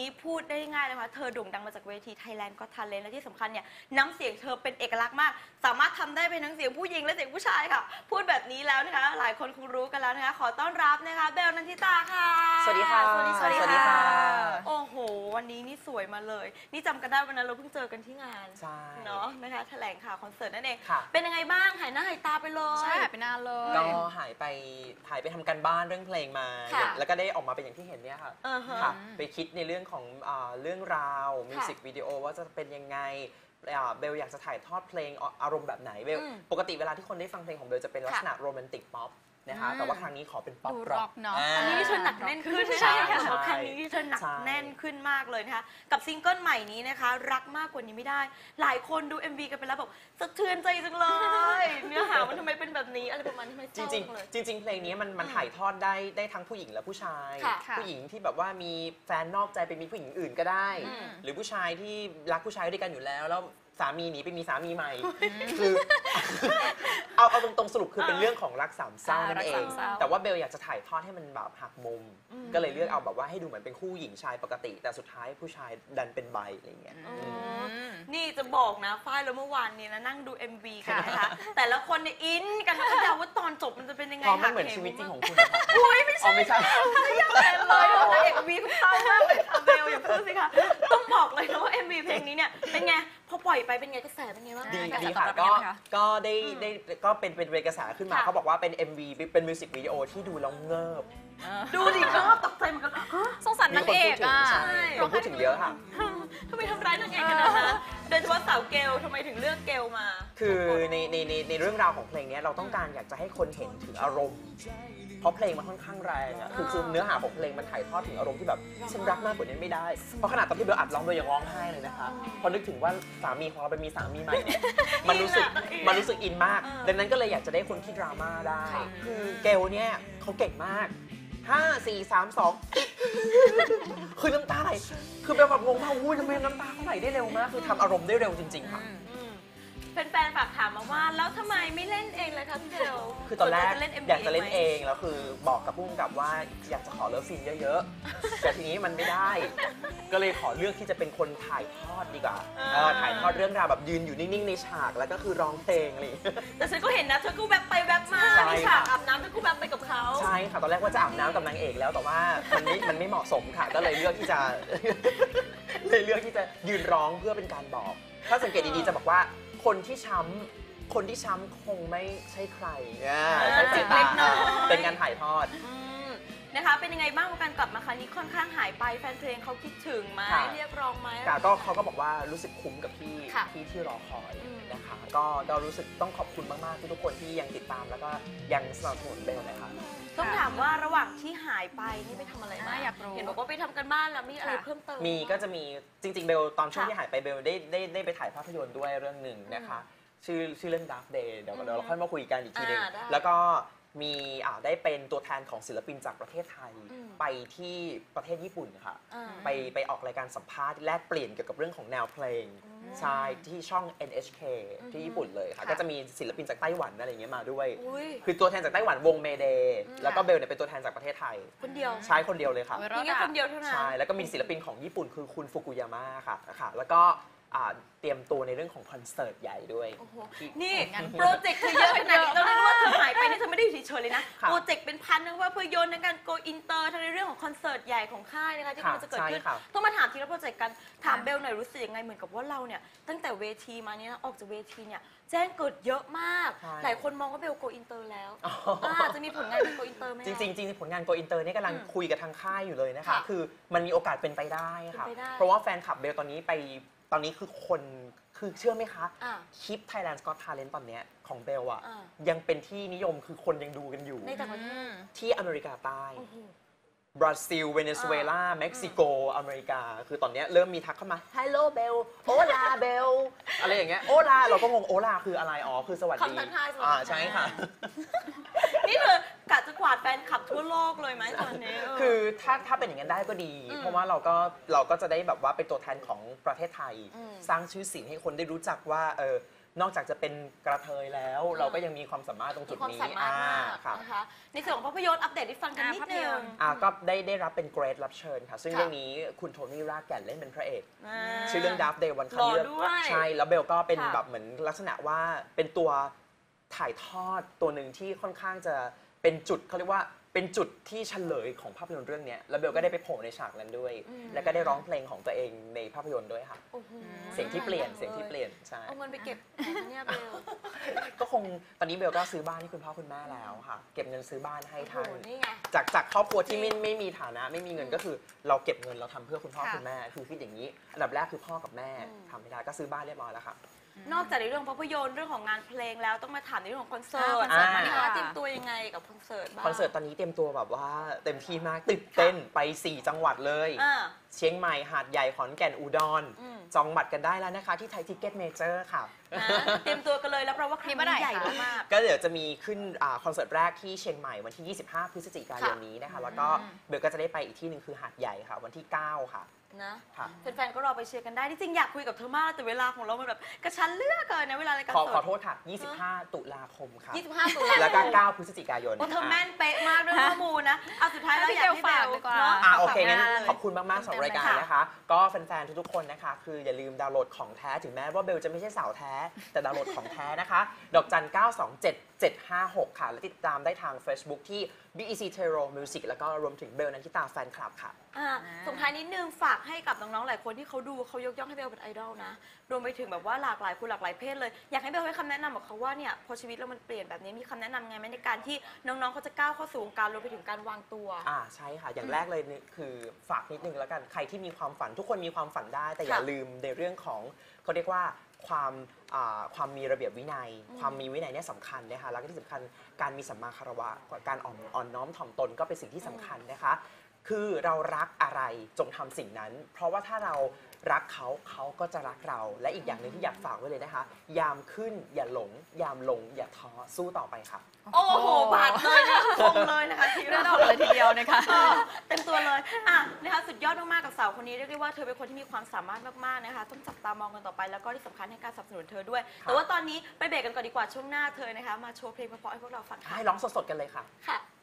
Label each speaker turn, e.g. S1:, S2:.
S1: นี้พูดได้ง่ายเลยค่ะเธอโด่งดังมาจากเวที Thailand Got Talent และที่สำคัญเนี่ยน้ำเสียงเธอเป็นเอกลักษณ์มากสามารถทำได้เป็นทั้งเสียงผู้หญิงและเสียงผู้ชายค่ะพูดแบบนี้แล้วนะคะหลายคนคงรู้กันแล้วนะคะขอต้อนรับนะคะเบลนันทิตาค่ะ
S2: สวัสดีค่ะ
S1: สวัสดี
S2: ค่ะ
S1: โอ้โหวันนี้นี่สวยมาเลยนี่จำกันได้วันนั้นเราเพิ่งเจอกันที่งาน
S2: ใช่
S1: เนาะนะคะแถลงข่าวคอนเสิร์ตนั่นเอง
S2: ค่ะ
S1: เป็นยังไงบ้างหายหน้าหายตาไปเลย
S3: ใช่หายไปนานเลย
S2: ก็หายไปทำการบ้านเรื่องเพลงมา แล้วก็ได้ออกมาเป็นอย่างที่เห็นเนี่ยค่ะค่ะไปคิดในเรื่องของเรื่องราวมิวสิกวิดีโอว่าจะเป็นยังไงเบลอยากจะถ่ายทอดเพลงอารมณ์แบบไหนเบลปกติเวลาที่คนได้ฟังเพลงของเบลจะเป็นลักษณะโรแมนติกป๊อปนะคะแต่ว่าครั้งนี้ขอเป็นป๊อปร็อก
S3: เนาะ
S1: อันนี้ที่เธอหนักแน่นขึ้นใช่ค่ะครั้งนี้ที่เธอหนักแน่นขึ้นมากเลยนะคะกับซิงเกิลใหม่นี้นะคะรักมากกว่านี้ไม่ได้หลายคนดู MV กันไปแล้วบอกสะเทือนใจจังเลยเนื้อหามันทำไมเป็นแบบนี้อะไรประมาณนี้ไม่
S2: จริงเพลงนี้มันถ่ายทอดได้ทั้งผู้หญิงและผู้ชายผู้หญิงที่แบบว่ามีแฟนนอกใจไปมีผู้หญิงอื่นก็ได้หรือผู้ชายที่รักผู้ชายด้วยกันอยู่แล้วสามีหนีไปมีสามีใหม่คือเอาตรงๆสรุปคือเป็นเรื่องของรักสามเศร้านั่นเองแต่ว่าเบลอยากจะถ่ายทอดให้มันแบบหักมุมก็เลยเลือกเอาแบบว่าให้ดูเหมือนเป็นคู่หญิงชายปกติแต่สุดท้ายผู้ชายดันเป็นไบอะไรเงี้ย
S1: นี่จะบอกนะฝ้ายแล้วเมื่อวานนี้นะนั่งดู MV กันนะคะแต่ละคนเนี่ยอินกันก็เดาว่าตอนจบมันจะเป็นยังไง
S2: มันเหมือนชีวิตจริงของคุณ
S1: อุ้ยไม่ใช่
S2: ไม่ใช่
S1: ไม่อยากเป็นเลยนางเอก MV เพิ่งเศร้ามากเลยค่ะเบลอย่าพูดสิคะต้องบอกเลยนะว่า MV เพลงนี้เนี่ยเป็นไงพอปล่อยไปเป็นไงกระแสเป็นไงบ้าง
S2: ดีค่ะก็ได้ก็เป็นกระแสขึ้นมาเขาบอกว่าเป็น MV เป็นมิวสิกวิดีโอที่ดูแล้วเงิบ
S1: ดูดิก็ตกใจเหมือนกัน
S3: สงสารนางเอกอ่ะ
S2: คนพูดถึงเยอะค่ะ
S1: ทำไมทำร้ายนางเอกกันนะโดยเฉพาะสาวเกลทำไมถึงเลือกเกลมา
S2: คือในเรื่องราวของเพลงนี้เราต้องการอยากจะให้คนเห็นถึงอารมณ์เพราะเพลงมันค่อนข้างแรงอ่ะคือเนื้อหาของเพลงมันถ่ายทอดถึงอารมณ์ที่แบบฉันรักมากกว่านี้ไม่ได้เพราะขนาดตอนที่เบลอัดร้องเบลยังร้องไห้เลยนะคะพอนึกถึงว่าสามีของเราเป็นมีสามีใหม่เนี่ยมันรู้สึกอินมากดังนั้นก็เลยอยากจะได้คนที่ดราม่าได้คือเกลเนี่ยเขาเก่งมาก5 4 3 2คือน้ำตาไหลคือแบบงงมากทำไมน้ำตาเขาไหลได้เร็วมากคือทำอารมณ์ได้เร็วจริงๆค่ะ
S1: แฟนๆฝากถามมาว่าแล้วทำไมไม่เล่นเองเลยคะพี่เบล
S2: คือตอนแรกอยากจะเล่นเองแล้วคือบอกกับผู้กำกับว่าอยากจะขอเลิฟซีนเยอะๆแต่ทีนี้มันไม่ได้ก็เลยขอเลือกที่จะเป็นคนถ่ายทอดดีกว่าถ่ายทอดเรื่องราวแบบยืนอยู่นิ่งๆในฉากแล้วก็คือร้องเพลงอะไร
S1: แต่ฉันก็เห็นนะเธอก็แวบไปแวบมาในฉากอาบน้ำเธอก็แวบไปกับเขา
S2: ใช่ค่ะตอนแรกว่าจะอาบน้ำกับนางเอกแล้วแต่ว่ามันไม่เหมาะสมค่ะก็เลยเลือกที่จะยืนร้องเพื่อเป็นการบอกถ้าสังเกตดีๆจะบอกว่าคนที่ช้ำคงไม่ใช่ใครใช้สายตาเป็นการถ่ายทอด
S1: นะคะเป็นยังไงบ้างการกลับมาครั้งนี้ค่อนข้างหายไปแฟนเพลงเขาคิดถึงไหมเรียกร้องไหม
S2: ก็เขาก็บอกว่ารู้สึกคุ้มกับที่รอคอยนะคะก็รู้สึกต้องขอบคุณมากๆทุกคนที่ยังติดตามแล้วก็ยังสนับสนุนเบลนะคะ
S1: ต้องถามว่าระหว่างที่หายไปนี่ไปทำอะไรมาอยากรู้เห็นบอกว่าไปทำกันบ้านแล้วมีอะไรเพิ่มเติม
S2: ก็จะมีจริงๆเบลตอนช่วงที่หายไปเบลได้ไปถ่ายภาพยนตร์ด้วยเรื่องหนึ่งนะคะชื่อเรื่อง Dark Day เดี๋ยวเราค่อยมาคุยกันอีกทีนึงแล้วก็มีได้เป็นตัวแทนของศิลปินจากประเทศไทยไปที่ประเทศญี่ปุ่นค่ะไปออกรายการสัมภาษณ์แลกเปลี่ยนเกี่ยวกับเรื่องของแนวเพลงใช่ที่ช่อง NHK ที่ญี่ปุ่นเลยค่ะก็จะมีศิลปินจากไต้หวันอะไรอย่างเงี้ยมาด้วยคือตัวแทนจากไต้หวันวงเมเดย์แล้วก็เบลเนี่ยเป็นตัวแทนจากประเทศไทย
S1: คนเดียว
S2: ใช่คนเดียวเลยค่ะ
S1: นี่แค่คนเดียวเท่านั้น
S2: ใช่แล้วก็มีศิลปินของญี่ปุ่นคือคุณฟุกุยาม่าค่ะแล้วก็เตรียมตัวในเรื่องของคอนเสิร์ตใหญ่ด้วย
S1: นี่โปรเจกต์เธอเยอะขนาดนี้ต้องเรียกว่าเธอหายไปนี่เธอไม่ได้อยู่เฉยๆเลยนะโปรเจกต์เป็นพันนะว่าเพื่อโยนในการโกอินเตอร์ทั้งในเรื่องของคอนเสิร์ตใหญ่ของค่ายนะคะที่มันจะเกิดขึ้นต้องมาถามทีละโปรเจกต์กันถามเบลหน่อยรู้สึกยังไงเหมือนกับว่าเราเนี่ยตั้งแต่เวทีมาเนี่ยออกจากเวทีเนี่ยแจ้งเกิดเยอะมากหลายคนมองว่าเบลโกอินเตอร์แล้วจะมีผลงานเป็นโกอินเตอร์ไหม
S2: จริงผลงานโกอินเตอร์นี่กำลังคุยกับทางค่ายอยู่เลยนะคะคือมันมีโอกาสเป็นไปได้ค่ะเพราะว่าแฟนคลับเบลตอนนี้คือคนคือเชื่อไหมคะคลิป Thailand Got Talent ตอนนี้ของเบลอะยังเป็นที่นิยมคือคนยังดูกันอยู่
S1: ในต่างประเทศ
S2: ที่อเมริกาใต้บราซิลเวเนซุเอลาเม็กซิโกอเมริกาคือตอนนี้เริ่มมีทักเข้ามา Hello Bell Hola Bell อะไรอย่างเงี้ย Hola เราก็งง Hola คืออะไรคือสวัสดีใช่ค่ะ
S1: นี่เธอกะจะกวาดแฟนคลับทั่วโลกเลยไหมตอนนี้
S2: คือถ้าเป็นอย่างนั้นได้ก็ดีเพราะว่าเราก็จะได้แบบว่าเป็นตัวแทนของประเทศไทยสร้างชื่อเสียงให้คนได้รู้จักว่านอกจากจะเป็นกระเทยแล้ว เราก็ยังมีความสามารถตรงจุด
S1: ความ
S2: นี้
S1: สามารถมาก
S2: ค่ะ
S1: นะคะในส่วนของภาพยนตร์อัปเดตให้ฟังกันนิดนึง
S2: ก็ได้รับเป็นเกรดรับเชิญค่ะซึ่ง
S1: ค่ะ
S2: เรื่องนี้คุณโทนี่รากแก่นเล่นเป็นพระเอก
S1: อ่า
S2: ชื่อเรื่อง Dark Day วัน
S1: หล่
S2: คัน
S1: อ
S2: เลือก
S1: ด้วย
S2: ใช่แล้วเบลก็เป็น
S1: ค่ะ
S2: แบบเหมือนลักษณะว่าเป็นตัวถ่ายทอดตัวหนึ่งที่ค่อนข้างจะเป็นจุดเขาเรียกว่าเป็นจุดที่เฉลยของภาพยนตร์เรื่องนี้แล้วเบลก็ได้ไปโผล่ในฉากนั้นด้วย แล้วก็ได้ร้องเพลงของตัวเองในภาพยนตร์ด้วยค่ะ
S1: โอ้โห
S2: เสียงที่เปลี่ยนใช่
S1: เอาเงินไปเก็บไหนคะเนี่ยเบล
S2: ก็คงตอนนี้เบลก็ซื้อบ้านให้คุณพ่อคุณแม่แล้วค่ะ เก็บเงินซื้อบ้านให้
S1: โอ้โห
S2: ท่าน
S1: นี่ไง
S2: จากครอบครัวที่ไม่มีฐานะไม่มีเงินก็คือเราเก็บเงินเราทำเพื่อคุณพ่อ
S3: ค่ะ
S2: คุณแม่คือคิดอย่างนี้อันดับแรกคือพ่อกับแม่
S1: อืม
S2: ทำไม่ได้ก็ซื้อบ้านเรียบร้อยแล้วค่ะ
S1: นอกจากในเรื่องภาพยนตร์เรื่องของงานเพลงแล้วต้องมาถามในเรื่องของคอนเสิร์ต
S3: คอนเสิร์ต
S1: มา
S3: ดี
S1: ดี
S3: ก
S1: ก
S3: ว่า
S1: ว่าเตรียมตัวยังไงกับคอนเสิร์ตบ้าง
S2: คอนเสิร์ตตอนนี้เตรียมตัวแบบว่าเต็มที่มากตื่นเต้นไป 4 จังหวัดเลย
S1: อ่า
S2: เชียงใหม่หาดใหญ่ขอนแก่นอุดร
S1: อืม
S2: จองบัตรกันได้แล้วนะคะที่ไทยทิกเก็ตเมเจอร์ค่ะ
S1: นะเตรียมตัวกันเลยแล้วเพราะว่าครั้ง
S3: มีเมื่อไหร่
S1: นี้ใหญ่
S3: คะ
S1: มาก
S2: ก็เดี๋ยวจะมีขึ้นคอนเสิร์ตแรกที่เชียงใหม่วันที่ 25 พฤศจิกายนนี้นะคะ แล้วก็เบลก็จะได้ไปอีกที่หนึ่งคือหาดใหญ่ค่ะ วันที่ 9 ค่ะ
S1: ๆนะ
S2: ค่ะ
S1: แฟนๆก็รอไปเชียร์กันได้ที่จริงอยากคุยกับเธอมากแต่เวลาของเรามันแบบกระชั้นเหลือกเกินนะเวลารายการ
S2: ข
S1: ส
S2: อ
S1: ด
S2: โทษค่ะ 25 ตุลาคมค่ะ
S1: 25 ตุลา
S2: แล้วก็ 9 พฤศจิกายน
S1: โอ้เธอแม่นเป๊ะมากเรื่องข้อมูลนะเอาสุดท้ายแล้วอยากให้เบล
S3: ให้เบลฝากดีกว่า
S1: เนาะ
S2: โอเคงั้น
S1: ฝากงาน
S2: ขอบคุณมากๆสำหรับรายการ
S1: ค่ะ
S2: นะคะ ก็แฟนๆ ทุกๆ คนนะคะ คืออย่าลืมดาวน์โหลดของแท้ถึงแม้ว่าเบลจะไม่ใช่สาวแท้ แต่ดาวน์โหลดของแท้นะคะ ดอกจัน 927-756 ค่ะ และติดตามได้ทาง Facebook ที่ BEC Terror Music แล้วก็รวมถึงเบลนันทิตาแฟนคลับค่ะ
S1: ส่งท้ายนิดนึงฝากให้กับน้องๆหลายคนที่เขาดูเขายกย่องให้เบลเป็นไอดอลนะรวมไปถึงแบบว่าหลากหลายคนหลากหลายเพศเลยอยากให้เบลให้คำแนะนำกับเขาว่าเนี่ยพอชีวิตเรามันเปลี่ยนแบบนี้มีคำแนะนำไงไหมในการที่น้องๆเขาจะก้าวเข้าสู่วงการรวมไปถึงการวางตัว
S2: ใช่ค่ะ อย่างแรกเลยนี่คือฝากนิดนึงแล้วกัน ใครที่มีความฝันทุกคนมีความฝันได้ แต่อย่า
S1: ค่ะ
S2: ลืมในเรื่องของเขาเรียกว่าความมีระเบียบวินัย ความมีวินัยเนี่ยสำคัญนะคะ แล้วก็ที่สำคัญการมีสัมมาคารวะ การอ่อนน้อมถ่อมตนก็เป็นสิ่งที่สำคัญนะคะ คือเรารักอะไรจงทำสิ่งนั้น เพราะว่าถ้าเรารักเขาเขาก็จะรักเรา และอีกอย่างหนึ่งที่อยากฝากไว้เลยนะคะ ยามขึ้นอย่าหลง ยามลงอย่าท้อสู้ต่อไปค่ะ
S1: โอ้โหบาดเลยนะคมเลยนะคะที
S3: เรื่
S1: เรา
S3: องเลยทีเดียวนะคะ
S1: เต็มตัวเลยนะคะสุดยอดมากๆกับสาวคนนี้เรียกได้ว่าเธอเป็นคนที่มีความสามารถมากๆนะคะต้องจับตามองกันต่อไปแล้วก็ที่สำคัญให้การสนับสนุนเธอด้วย แต่ว่าตอนนี้ไปเบรกกันก่อนดีกว่าช่วงหน้าเธอนะคะมาโชว์เพลงเพราะๆให้พวกเราฟังค่ะ
S2: ให้ร้องสดๆกันเลยค่ะ
S1: ค่ะ